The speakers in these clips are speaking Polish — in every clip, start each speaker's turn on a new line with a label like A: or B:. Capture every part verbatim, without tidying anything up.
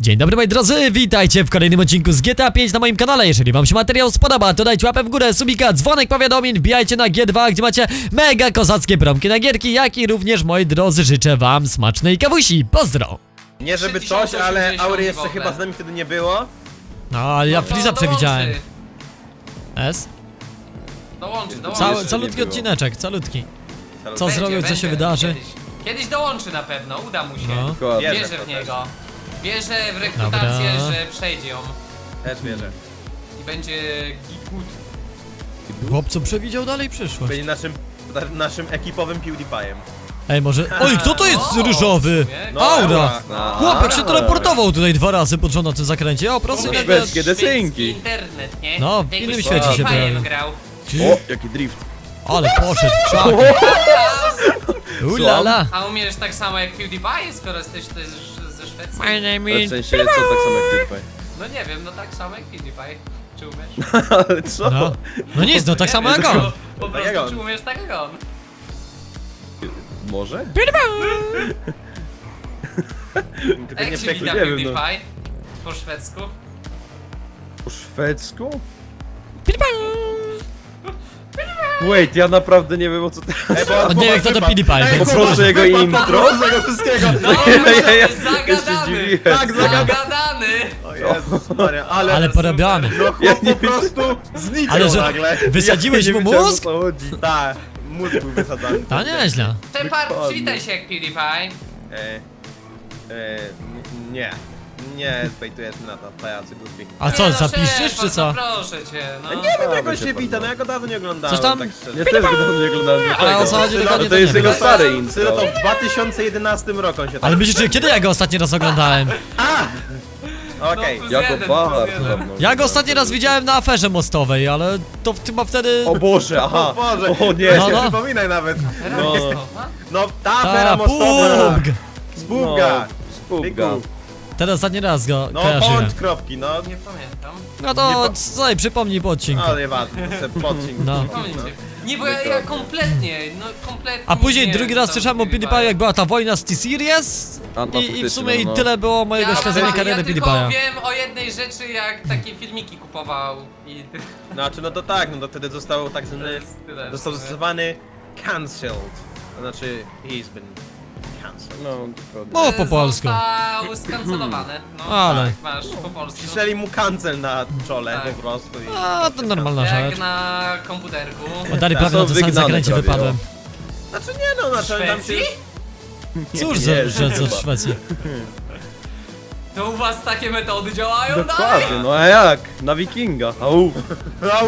A: Dzień dobry moi drodzy, witajcie w kolejnym odcinku z G T A pięć na moim kanale. Jeżeli wam się materiał spodoba, to dajcie łapę w górę, subika, dzwonek powiadomień, wbijajcie na G dwa, gdzie macie mega kozackie promki na gierki, jak i również moi drodzy życzę wam smacznej kawusi. Pozdro!
B: Nie żeby coś, ale Aury jeszcze chyba z nami wtedy nie było.
A: No ale ja
C: No,
A: Freeza
C: dołączy.
A: przewidziałem. S?
C: Dołączy, dołączy.
A: Cały,
B: jeszcze
A: calutki
B: nie było.
A: odcineczek, calutki.
B: Salut.
A: Co
C: Będzie,
A: zrobił, co
C: będzie,
A: się wydarzy?
C: Kiedyś, kiedyś dołączy na pewno, uda mu się.
A: No.
B: Dokładnie.
C: Wierzę w
B: to
C: niego. Wierzę w rekrutację,
A: Dobra.
C: że przejdzie ją.
B: Też, też wierzę.
C: I będzie good.
A: Chłopcu przewidział dalej przyszłość.
B: Będzie naszym, na- naszym ekipowym PewDiePie'em.
A: Ej, może... Oj, kto to jest
C: O,
A: różowy?
C: w sumie.
B: No,
A: Aura!
B: No.
A: Chłopek się teleportował tutaj dwa razy pod rząd na tym zakręcie. O, proszę
C: Mówię,
A: nawet...
D: szwedzkie desynki.
C: internet, nie?
A: No, w
C: Jakbyś
A: innym
C: z
A: świecie się
C: PewDiePie'em
A: pojawił.
C: grał.
D: O, jaki drift.
A: Ale poszedł w krzaki. Ulala.
C: A umiesz tak samo jak PewDiePie, skoro jesteś też ze Szwecji?
A: My name
D: Ale w
A: is...
D: sensie, co tak samo jak ty
C: No nie wiem, no tak samo jak PewDiePie. Czy umiesz?
D: Ale co?
A: No, no nic, no tak samo jak on.
C: Po
B: Tak jak on.
C: prostu czy umiesz tak jak on?
D: Może?
B: Tylko
C: Jak
B: nie
C: się
B: przeklinaj.
C: wita
D: nie wiem, no.
C: PewDiePie? Po szwedzku?
D: Po szwedzku? Wait, ja naprawdę nie wiem o co ty...
B: Ej, bo
A: On nie wie kto to PewDiePie.
D: Po prostu jego intro?
B: Z tego wszystkiego.
C: No,
D: ja-
C: jest
D: się
C: zagadany!
D: dziwiłem.
B: Tak, zagadany.
C: Zagadany!
B: O Jezus Maria, ale...
A: Ale porobiony.
B: No chłop
D: Ja nie
B: po prostu zniknął
A: Ale że
B: nagle.
A: wysadziłeś
D: Ja
A: mu
D: nie wiedziałem,
A: mózg?
D: o co chodzi.
B: Tak, mózg był wysadzany.
A: To nieźle.
C: Shepard,
D: Dokładnie.
C: przywitaj się jak PewDiePie.
B: E, e, n- nie. Nie, bejtujesz na to, pajacy głupi.
A: A co,
C: Nie no,
A: zapiszesz
C: Shepard,
A: czy co?
C: No proszę cię, no.
B: Ja nie wiem jak on
D: Dawaj
B: się
D: się
B: wita, no ja go dawno nie oglądałem.
A: Coś tam?
B: Tak szczerze.
D: Ja też go dawno nie oglądałem.
A: Ale o co chodzi
B: Sylo,
A: dokładnie
D: to
A: to nie
D: jest
A: wiem.
D: jego stare
B: Sylo
D: intro.
B: to w dwa tysiące jedenastym roku on się tak...
A: Ale myślicie, kiedy ja go ostatni raz oglądałem?
B: Okej.
C: No,
D: Jako
C: Jeden,
D: bardzo
C: jeden.
D: dawno.
A: Ja go ostatni raz widziałem na aferze mostowej, ale to chyba wtedy...
D: O Boże, aha.
B: O Boże,
D: O nie.
A: No,
B: nie
A: no.
B: przypominaj nawet.
D: No.
B: No ta afera
A: Ta,
B: mostowa.
A: pubg.
B: Spółka.
D: Spółka.
A: Teraz ostatni raz go
B: No
A: kojarzyłem.
B: bądź kropki, no.
C: Nie pamiętam.
A: No to
B: Nie
A: co, przypomnij po odcinku.
B: Ale ważne, to sobie podcink.
A: No.
C: Pamięcie. Nie, bo ja, ja kompletnie, no kompletnie.
A: A później
C: nie
A: drugi
C: wiem,
A: raz
C: co
A: słyszałem o
C: PewDiePie.
A: PewDiePie, jak była ta wojna z T-Series
D: A, no,
A: i, i w
D: faktycznie,
A: sumie i
D: no.
A: tyle było mojego
C: Ja,
A: śledzenia
C: ja,
A: kariery
C: ja tylko
A: PewDiePie'a.
C: wiem o jednej rzeczy, jak takie filmiki kupował i
B: Znaczy, no to tak, no to wtedy został tak
C: to
B: zwany,
C: jest tyle.
B: został zastosowany cancelled. To znaczy, he's been cancelled.
D: No, dokładnie.
A: Mów po polsku.
C: Został skancelowany. No
A: Ale.
C: tak, masz po polsku.
B: Cisnęli mu cancel na czole
C: Tak.
B: po prostu i...
A: A, to normalna
C: Jak
A: rzecz.
C: na komputerku.
A: Oddali
B: Tak.
A: prawie na
D: Są
A: tym samym
D: wygnane
A: zakręcie
D: prawie,
A: wypadłem.
B: Znaczy nie no,
C: W
B: znaczy tam się...
C: Szwecji?
A: Cóż
D: Nie,
A: za
D: nie,
A: rzecz
D: chyba.
A: od Szwecji.
C: To u was takie metody działają dalej?
D: Dokładnie, no a jak? Na wikinga. Au.
B: Au!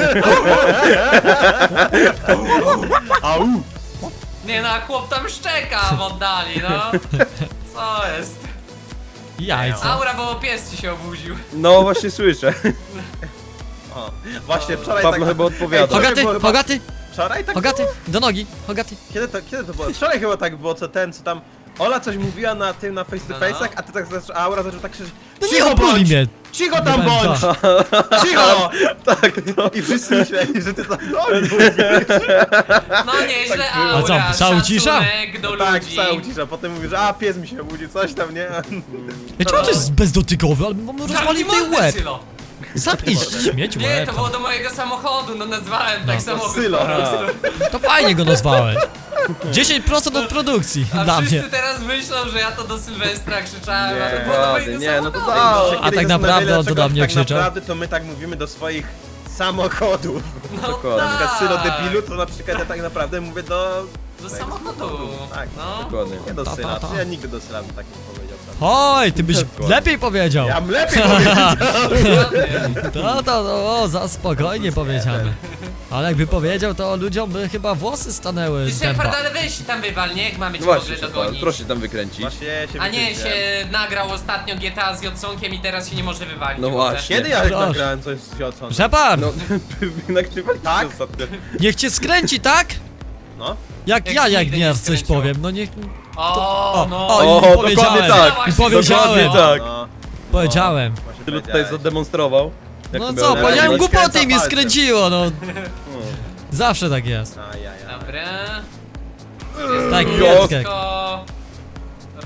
B: Au!
C: Nie no, a chłop tam szczeka w oddali, no. Co jest?
A: Jajca.
C: Aura, bo pies ci się obudził.
D: No właśnie słyszę.
B: O, właśnie wczoraj
D: Pawlo
B: tak...
D: chyba odpowiada.
B: Ej,
A: Hogaty,
B: było chyba-
A: Hogaty,
B: Wczoraj tak
A: Hogaty, do nogi, Hogaty.
B: Kiedy to, kiedy to było? Wczoraj chyba tak było, co ten, co tam... Ola coś mówiła na tym, na face to
C: No, no.
B: face'ach, a ty tak zaczął, a Aura zaczął tak krzyczeć.
A: No nie
B: Cicho
A: opuli
B: bądź!
A: mnie.
B: Cicho tam
A: Nie
B: bądź!
A: pamiętam.
B: Cicho!
D: Tak, no.
B: I wszyscy myśleli, że ty tam do mnie
C: No nieźle,
B: Tak było.
C: Aura,
A: A co, psa ucisza?
C: szacunek do
B: Tak,
C: ludzi.
B: psa ucisza, potem mówisz, a pies mi się obudził, coś tam, nie?
A: Ej, czemu to jest bezdotykowy? Ale mam rozwalił
C: Zamknij
A: tej
C: mordę,
A: łeb.
C: Sylo.
A: Zamknij śmieć
C: Nie,
A: łeb.
C: to było do mojego samochodu, no nazwałem tak
A: No,
C: samochód
B: Sylo.
C: po prostu.
A: To fajnie go nazwałeś. dziesięć procent od produkcji
C: A
A: dla
C: wszyscy
A: mnie.
C: teraz myślą, że ja to do Sylwestra krzyczałem,
B: Nie,
C: a to było do
D: ładnie,
C: mojego
D: nie, no to
C: samochodu.
D: da.
A: A tak naprawdę on to do mnie
B: tak
A: krzyczał.
B: naprawdę to my tak mówimy do swoich samochodów.
C: No
D: Dokładnie.
B: Na przykład
C: tak.
B: Sylo debilu, to na przykład ja tak naprawdę mówię do...
C: Do samochodu.
B: Tak,
C: No.
D: Dokładnie.
B: nie do
A: Ta, ta,
B: Syla,
A: ta.
B: ja nigdy do Syla bym tak nie powiedział.
A: Oj, ty byś lepiej powiedział.
B: Ja bym lepiej powiedział.
C: Dokładnie.
A: To, to, to, o, za spokojnie powiedziane. Ale jakby powiedział, to ludziom by chyba włosy stanęły
C: Ty
A: z
C: Shepard,
A: dęba.
C: ale weź się tam wywal, nie? Jak mamy cię
D: No
C: w
D: właśnie,
C: ogóle
D: Shepard,
C: dogonić.
D: proszę się tam wykręcić.
B: Właśnie się
C: A nie,
B: wykręciłem.
C: się nagrał ostatnio G T A z Jodsonkiem i teraz się nie może wywalić.
D: No
C: w ogóle.
D: właśnie.
B: Kiedy ja
A: Proszę.
B: nagrałem coś z Jocą?
A: Shepard,
D: No, nagrywaliście
B: Tak?
D: ostatnio.
A: niech cię skręci, tak?
B: No.
A: Jak
C: Jak
A: ja,
C: ci
A: jak
C: nigdy
A: nie
C: nie
A: raz coś
C: skręciło.
A: powiem, no niech...
C: O, no.
A: o,
D: O,
A: i
D: dokładnie
A: powiedziałem,
D: tak.
A: i powiedziałem,
D: Dokładnie tak.
B: No.
A: powiedziałem.
B: Właśnie
D: Tylu tutaj
B: powiedziałeś.
D: zademonstrował. Jak
A: No
D: to
A: co,
D: miało
A: powiedziałem
D: wyglądać.
A: głupoty i mnie
B: palcem.
A: skręciło, no.
D: No.
A: Zawsze tak jest.
B: A, ja, ja.
C: Dobra.
A: Tak,
D: Jo.
A: Jacek.
C: Wszystko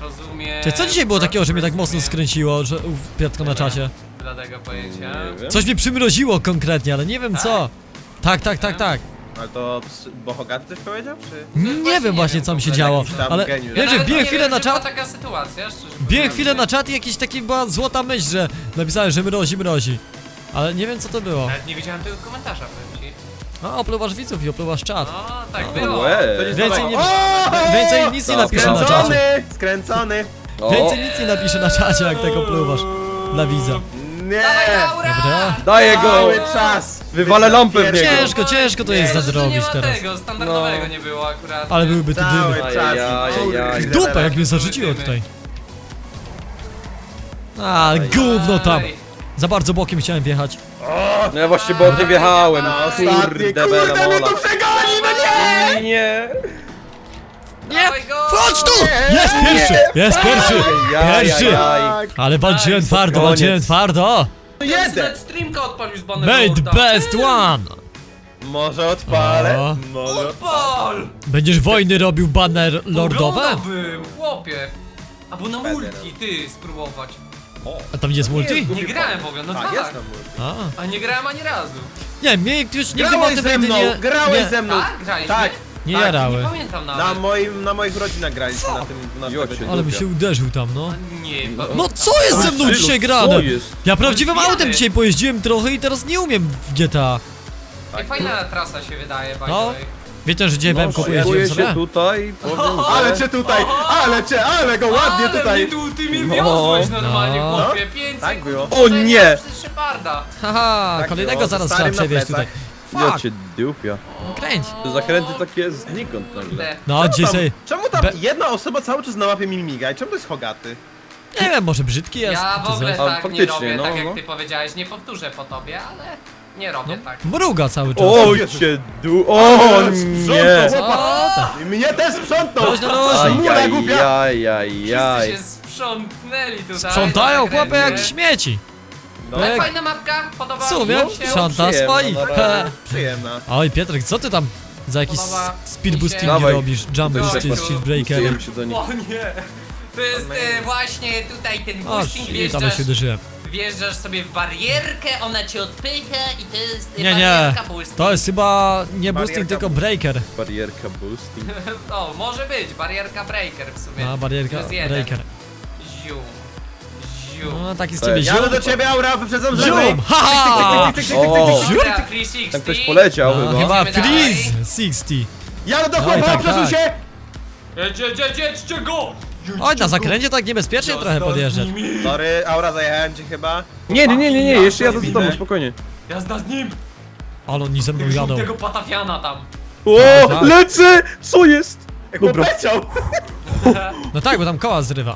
C: rozumiem.
A: Czy co dzisiaj było takiego, że mnie tak mocno skręciło, że u Piotrka na czasie?
C: Bladego pojęcia.
D: Nie wiem.
A: Coś mnie przymroziło konkretnie, ale nie wiem co. Tak, tak, tak, tak.
B: Ale to Bohogaty coś powiedział, czy?
A: Nie
C: właśnie
A: wiem
C: nie
A: właśnie
C: wiem,
A: co mi się
C: w ogóle
A: działo,
B: jakiś tam
A: ale
B: geniusz.
A: wiesz, że
C: nawet
A: wbiłem
C: nie
A: chwilę
C: wiem,
A: na
C: że była
A: czat,
C: taka sytuacja, szczerze
A: wbiłem
C: mówiąc.
A: chwilę na czat i jakiś taki była złota myśl, że napisałem, że mrozi, mrozi. Ale nie wiem co to było.
C: Nawet nie widziałem tego komentarza, powiem ci.
A: A, opluwasz widzów i opluwasz czat.
C: No, tak
A: O,
C: było.
D: Łe.
B: To nic
A: Więcej
B: nowego.
A: nie-
B: O!
A: Więcej nic nie
D: No,
A: napiszę na
B: Skręcony!
A: czacie.
B: Skręcony!
D: O,
A: Więcej nic nie napiszę na czacie, jak tego opluwasz. Dla widza.
B: Nie!
C: Dawaj, Laura!
A: Dobra.
D: daję go!
B: Cały czas!
D: Wywalę lampę w niego.
A: Ciężko, ciężko to jest
C: Nie, że
A: nadrobić
C: nie ma
A: teraz.
C: tego, standardowego
D: No.
C: nie było akurat.
A: Ale byłyby tu
B: Cały
A: dymy.
B: czas!
D: Ajajaj.
B: Kurde,
A: Dupa, jak mnie zarzuciło tutaj. A, gówno tam.
C: Ej,
A: Za bardzo bokiem chciałem wjechać.
D: No ja właśnie bokiem wjechałem.
B: No ostatni,
D: Kurde,
B: kurde,
D: bela
B: mnie
D: mola.
B: tu przegoni, no nie!
D: Nie!
A: Nie!
C: dawaj go!
A: Chodź tu! Jest pierwszy! Jest pierwszy! Pierwszy!
B: Tak!
A: Ale walczyłem
C: Nice.
A: twardo,
D: Koniec.
A: walczyłem twardo!
B: Jeden!
C: Nawet streamka odpalił z banem
A: Made best one!
B: Może odpalę,
A: O.
B: może
C: Odpal!
A: Będziesz wojny robił banner lordowe?
C: Oglądałbym, chłopie. Albo na multi, ty, spróbować.
A: A tam jest multi?
C: Nie grałem w ogóle, no
B: Tak,
C: tak.
B: jest na multi.
A: A.
C: A nie grałem ani razu.
A: Nie, mnie już nigdy
B: Grałeś
A: motywy
B: ze mną,
A: nie...
B: grałeś
A: nie,
B: ze mną!
C: Tak? Graliśmy?
B: Tak!
A: nie
B: tak,
C: Nie
A: jarały.
C: pamiętam
B: Na,
C: nawet.
B: moim, na moich rodzinach graliśmy na tym na
D: Jocie.
B: tym-
A: Ale mi się uderzył tam, no.
C: Nie,
A: No co jest ze mną
D: Sylo,
A: dzisiaj
D: co
A: grane?
D: jest?
A: Ja prawdziwym
C: Rozbijamy.
A: autem dzisiaj pojeździłem trochę i teraz nie umiem w G T A.
C: Ej, fajna trasa się wydaje, by the
A: No.
C: way.
A: Wiecie, że dzisiaj
D: No,
A: B M K pojeździłem
D: szykuję się
A: sobie?
D: tutaj, powiem,
B: Ale cię tutaj, ale cię, ale go ładnie
C: Ale
B: tutaj!
C: mnie tu, ty mnie
D: No.
C: wiozłeś normalnie,
A: No.
C: chłopie. pięć
B: Tak
C: sekund
B: było.
C: dłużej
D: O nie!
C: niż Szeparda.
A: Haha,
B: Tak
A: kolejnego
B: było,
A: zaraz
B: ze
A: trzeba
B: starym na
A: przewieźć tutaj.
B: plecach.
D: Ja
A: Fuck,
D: cię dupia.
A: kręć.
D: Te zakręty takie znikąd nagle.
C: Kurde.
A: No,
B: Czemu
A: dzisiaj
B: tam,
A: sobie...
B: czemu tam
A: Be-
B: jedna osoba cały czas na mapie mi miga i czemu to jest Hogaty?
A: Nie wiem, może brzydki jest.
C: Ja w
A: czy
C: ogóle
A: coś.
D: A,
C: tak nie
D: faktycznie,
C: robię,
D: no,
C: tak jak
D: no.
C: ty powiedziałeś, nie powtórzę po tobie, ale nie robię
A: No,
C: tak.
A: mruga cały czas.
D: O
B: Jezu.
D: cię du... O nie!
A: Co tam?
B: Mnie też sprzątnął!
A: Luźno, luźno.
B: Mula głupia!
D: Ajajajaj.
C: Wszyscy się sprzątnęli tutaj.
A: Sprzątają
C: na
A: chłopy jak
C: zakręcie.
A: śmieci.
B: No,
C: Ale
A: Jak-
C: fajna mapka, podoba
A: W sumie
C: mi się.
A: sprząta
D: przyjemna,
A: swoich.
D: no,
A: He.
B: przyjemna.
A: Oj, Pietrek, co ty tam za jakieś
C: Podoba
A: speed
C: mi
A: boostingi
C: się.
D: Dawaj.
A: robisz? Jump
C: Dawaj,
A: boosty,
C: tu.
A: speed breakery.
D: Wróciłem się do nich.
C: O nie! To jest e, właśnie tutaj ten
A: O,
C: boosting,
A: shit, ale się
C: wjeżdżasz,
A: uderzyłem.
C: wjeżdżasz sobie w barierkę, ona cię odpycha i to jest e,
A: Nie, nie,
C: barierka boosting.
A: to jest chyba nie boosting,
B: Barierka
A: tylko breaker.
D: Barierka boosting.
C: O, może być, barierka breaker w sumie.
A: A, barierka
C: To jest jeden.
A: breaker.
C: Ziu. Ziu.
A: No, taki z
D: Cześć.
A: ciebie ziom.
B: Jadę do ciebie, Aura, wyprzedzam
A: Ziom!
B: lewej!
A: Haha!
B: Tyk, tyk, tyk, tyk, tyk, tyk,
D: O.
B: tyk, tyk.
A: Ziu!
C: Dobra, trzy sześćdziesiąt.
D: Tam ktoś poleciał
A: A,
D: chyba.
A: chyba
C: Idziemy
A: freeze
C: dalej.
A: sześćdziesiąt.
B: Jadę do
A: Oj,
B: chłopa,
A: tak,
B: przesuń
A: tak.
B: się!
C: Jedź, jedź, jedź, jedźcie go!
A: Oj, na zakręcie tak niebezpiecznie
C: Jazda
A: trochę
C: z
A: podjeżdżać.
C: nimi.
B: Sorry, Aura, zajechałem cię chyba.
D: Nie, nie, nie, nie, nie, jeszcze jadę za
B: Widzę.
D: tobą, spokojnie.
C: Jazda z nim!
A: Ale oni ze mną jadą.
C: Tego patafiana tam.
D: O,
A: tak.
D: lecę! Co jest?
B: Jak
D: Dobra.
B: leciał!
A: No tak, bo tam koła zrywa.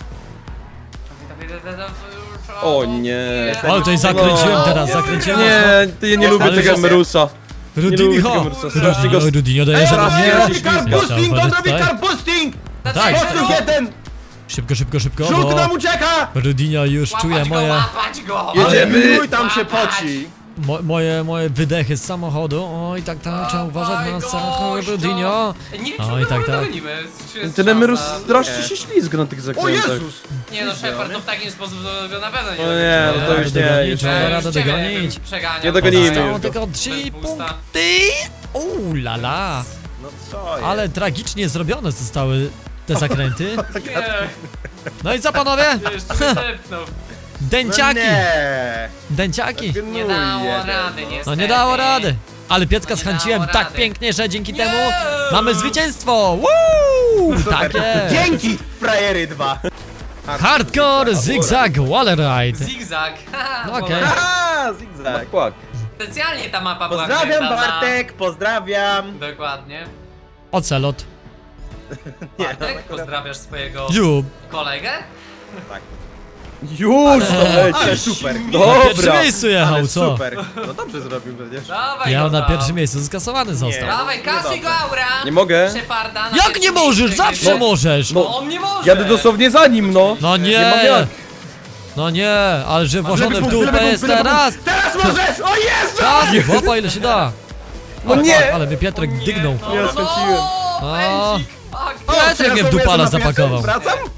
D: O nie.
A: Ale tutaj zakręciłem teraz, zakręciłem mocno.
D: Nie, ty, ja nie lubię
A: Ale
D: tego
A: że-
D: Emerusa. Nie lubię
A: Rudinho!
D: tego Emerusa, strasznie go...
A: Rudinho, Rudinho dojeżdża do
B: Ej,
A: mnie.
B: on robi car boosting, on robi
A: Tutaj.
B: car boosting!
A: Tak.
B: Posuń jeden!
A: Szybko, szybko, szybko,
B: Żółk
A: bo
B: nam ucieka!
A: Rudinho już czuje
C: Łapać go,
A: moje,
C: łapać go!
D: Jedziemy.
B: Mój tam się poci!
A: mo, moje, moje wydechy z samochodu. Oj, tak, tak, trzeba uważać na samochód Rudinho.
C: Nie wiem,
A: Oj,
C: czy my
A: tak,
C: tak,
A: tak.
C: dogonimy. Czy jest
D: Ten Emerus
C: szansa?
D: strasznie się ślizga na tych
B: O
D: zakrętach.
B: Jezus!
C: Nie no, Shepard to w takim sposób go na pewno nie
D: O
C: dogonie.
D: nie, no to
A: Radę
D: już nie,
A: dogonić,
D: już
A: trzeba
D: nie.
A: radę
C: ciebie
A: dogonić.
C: bym przeganiał.
D: Nie dogonimy
C: Poza-
D: już.
A: Zostało tylko trzy
C: Bez boosta.
A: punkty. Uuu, la la.
B: No co jest?
A: Ale tragicznie zrobione zostały te zakręty.
C: Nie,
A: No i co panowie?
C: jeszcze nie zepnął.
A: Dęciaki,
B: No nie!
A: dęciaki.
C: Nie dało rady, niestety.
A: No nie dało rady. Ale Pietka
C: No nie
A: schęciłem
C: dało
A: tak
C: rady.
A: pięknie, że dzięki
C: Nie!
A: temu mamy zwycięstwo. Woo! Tak jest.
B: Dzięki, frajery dwa!
A: Hardcore Zigzag Walleride.
C: Zigzag.
A: No
C: Haha,
A: okej.
C: bo
B: Aha, zigzag!
D: Tak, kłak.
C: Specjalnie ta mapa była
B: Pozdrawiam
C: kręcona.
B: Bartek, pozdrawiam!
C: Dokładnie.
A: Ocelot.
C: Bartek, pozdrawiasz swojego
A: Dziób.
C: kolegę?
B: Tak.
D: Już to
B: Ale
D: lecisz.
B: super!
A: Na pierwszym
D: Dobra.
A: miejscu jechał,
B: Ale
A: co?
B: super! No dobrze zrobił przecież.
C: Dawaj
A: Ja
C: go
A: na
C: tam.
A: pierwszym miejscu skasowany został.
C: Dawaj, kasuj go, Aura!
D: Nie mogę.
C: Szeparda na
A: Jak
C: pierwszym
A: nie możesz?
C: miejscu,
A: Zawsze
C: gdzie-
A: możesz.
C: No on nie może!
D: Jadę dosłownie za nim, no.
A: No
D: Nie
A: nie.
D: mam jak.
A: No nie, ale że włożone w
B: Lewy punkt,
A: dupę
B: lewy
A: jest
B: punkt, lewy
A: teraz.
B: punkt. Teraz możesz! O Jezu!
A: Tak, chłopa ile się da.
D: No
A: O,
D: nie.
A: fuck, ale mnie Pietrek
C: Nie,
A: dygnął.
C: No,
D: Ja
C: no,
D: skręciłem.
C: no,
A: O.
C: pędzik, fuck.
B: O,
A: Piotrek mnie w
B: przepraszam,
A: dupala
B: jestem na pierwszym,
A: zapakował.
B: Wracam?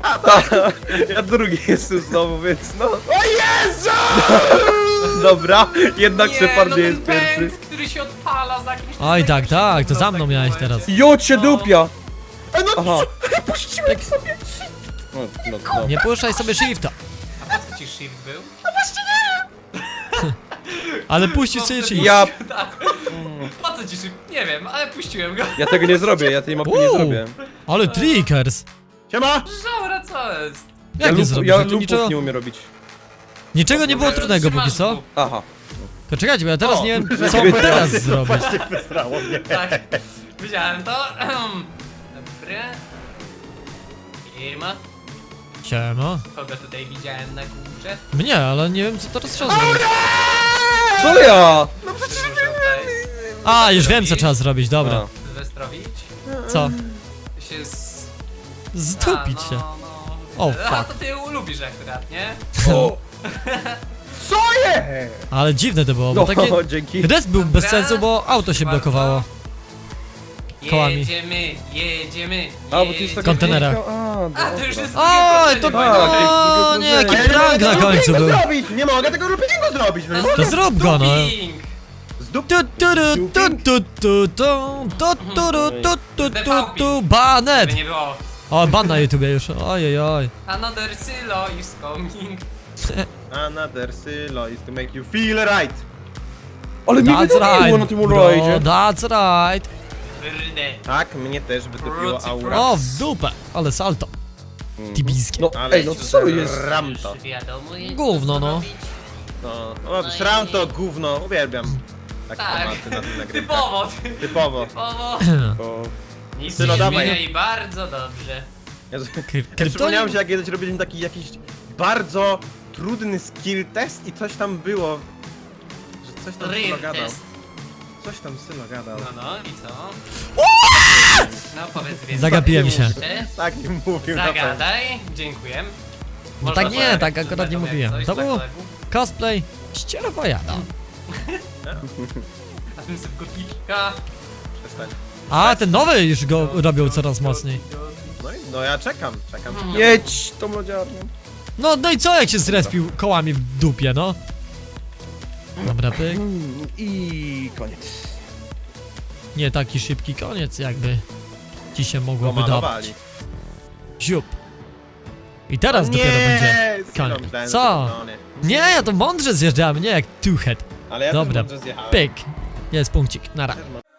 D: Ja drugi jestem znowu, więc no.
B: O Jezu!
D: Dobra, jednak
C: Nie,
D: Shepard
C: no
D: nie
C: ten
D: jest pierwszy.
C: pęd, który się odpala za jakimś...
A: Oj, tak, tak, to za mną
C: w takim
A: miałeś
C: momencie.
A: teraz.
D: Jo cię dupia!
B: E, no
D: Aha.
B: co? Puściłem sobie!
D: No, no, no.
A: Nie puszczaj sobie shifta.
C: A po co ci shift był?
A: Ale puścisz sobie
C: Po co-
A: shift.
D: Ja,
C: Tak. Po co ci shift? Nie wiem, ale puściłem go.
D: ja tego nie zrobię, ja tej mapy nie
A: Uuu,
D: zrobię.
A: ale trickers.
B: Siema!
C: Żaura, co jest?
D: Ja,
A: Jak nie
D: lup,
A: zrobisz?
D: ja
A: No to
D: lupów
A: niczego,
D: nie umiem robić.
A: niczego nie było trudnego póki co.
C: Trzymasz
D: Aha.
A: Tylko czekajcie, bo ja teraz
B: O,
A: nie wiem,
B: że
A: co
B: nie
A: teraz zrobić.
B: Wysrało mnie.
C: Tak, widziałem to. Dobry. Firma.
A: Siema.
C: Kogo tutaj widziałem na górze?
A: Mnie, ale nie wiem, co teraz trzeba zrobić.
D: Co ja?
C: Muszę tutaj
A: A, już wiem, co trzeba zrobić, dobra.
D: A.
C: zwestrowić.
A: Co?
C: Się z...
A: Zdupić
C: A,
A: się.
C: no, no.
A: O,
C: A,
A: fuck.
C: to ty lubisz akurat, nie?
D: O,
B: Co jest?
A: Ale dziwne to było, bo
D: no,
A: takie...
D: dzięki.
A: Res był bez
C: Dobra.
A: sensu, bo auto się
C: Bardzo.
A: blokowało. Kołami.
C: Jedziemy, jedziemy,
D: A, bo to jest
C: jedziemy.
D: taka...
A: Kontenera.
D: A,
C: A, to już
D: dobra.
C: jest
A: Oj,
C: drugie
A: to...
C: prowadzenie,
A: O,
D: tak,
A: nie,
D: jest
A: jaki
D: drugie
A: prank na końcu był.
B: zrobić! Nie mogę tego loopingu zrobić! No nie mogę.
A: To zrób go, no.
C: Duping.
B: Zdup...
A: Tu, tu, tu, tu, tu, tu, tu, tu, tu, tu, tu, tu, tu, tu, banet!
C: Żeby nie było.
A: O, ban na YouTubie już, ojej, oj.
C: Another silo is coming.
B: Another Sylo is to make you feel right!
D: Ale mi
A: That's
D: wydaliło
A: right,
D: na tym
A: bro,
D: rajdzie.
A: that's right.
C: Kurde.
B: Tak, mnie też wytopiło
C: Fruity
B: aura.
A: O, w dupę, ale salto. Tibijskie.
D: No,
B: Ale
D: ej, no co jest?
B: Ram to.
C: Wiadomo, jak
A: Gówno,
C: to
A: no.
C: zrobić.
B: No, o, sram to gówno, uwielbiam. Takie
C: Tak.
B: tematy na tym nagrywkach.
C: Typowo,
B: Typowo.
C: typowo.
D: O,
C: Nic
B: Sylo,
C: nie
B: dawaj.
C: zmienia i bardzo dobrze.
B: Ja,
A: Kry-
B: ja przypomniałem
A: kryptonim-
B: się, jak kiedyś robiliśmy taki jakiś bardzo trudny skill test i coś tam było. Że coś tam Sylo
C: Real
B: gadał.
C: test.
B: Coś tam Sylo gadał.
C: No, no i co? No powiedz więcej.
A: Zagapiłem się.
C: Jeszcze.
B: Tak nie mówił na pewno.
C: Zagadaj. Dziękuję.
A: No
C: Można
A: tak nie,
C: powiedzieć,
A: tak akurat nie
C: jak
A: mówiłem.
C: coś
A: To
C: dla
A: było
C: kolegów.
A: cosplay ścierwojada.
C: A ten sobie kotliczka.
B: Przestań.
A: A, ten nowy już go robią coraz mocniej.
B: No, i, no ja czekam, czekam. czekam.
D: jedź tą lodziarnią.
A: No, no i co jak się zrespił kołami w dupie, no? Dobra, pyk.
D: Mm, I koniec.
A: Nie taki szybki koniec, jakby ci się mogło wydawać.
B: Pomalowali.
A: Ziup. I teraz
B: O
A: dopiero
B: nie,
A: będzie
B: Sylo,
A: koniec.
B: myślałem,
A: Co?
B: że to koniec.
A: Nie, ja to mądrze zjeżdżałem, nie jak two-head.
B: Ale ja
A: Dobra,
B: też mądrze zjechałem.
A: pyk. Jest punkcik, nara.
B: Też mądrze.